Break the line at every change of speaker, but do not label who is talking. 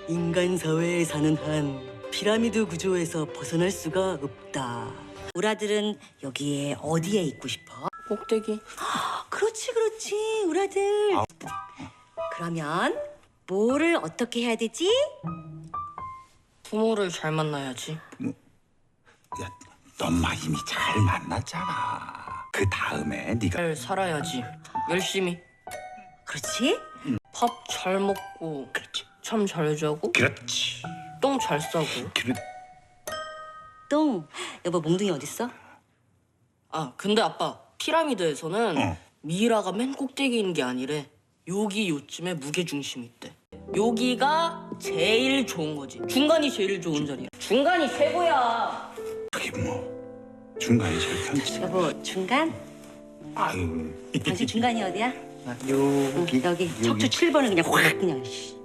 인간 사회에 사는 한 피라미드 구조에서 벗어날 수가 없다. 우라들은 여기에 어디에 있고 싶어?
꼭대기.
그렇지, 그렇지, 우라들. 그러면 뭐를 어떻게 해야 되지?
부모를 잘 만나야지.
야, 넌 마 이미 잘 만났잖아. 그 다음에 네가
잘 살아야지. 열심히.
그렇지?
밥 잘 먹고
그렇지,
잠 잘 자고
그렇지,
똥 잘 싸고.
그렇.
똥. 여보, 몽둥이 어딨어?
아 근데 아빠 피라미드에서는 미이라가 맨 꼭대기에 있는 게 아니래. 여기 요쯤에 무게 중심이 있대. 여기가 제일 좋은 거지. 중간이 제일 좋은 자리야. 중간이 최고야.
그게 뭐 중간이 제일 편지.
여보, 중간?
아유,
당신 중간이 어디야?
여기
여기 척추 7번을 그냥 확 그냥. 씨.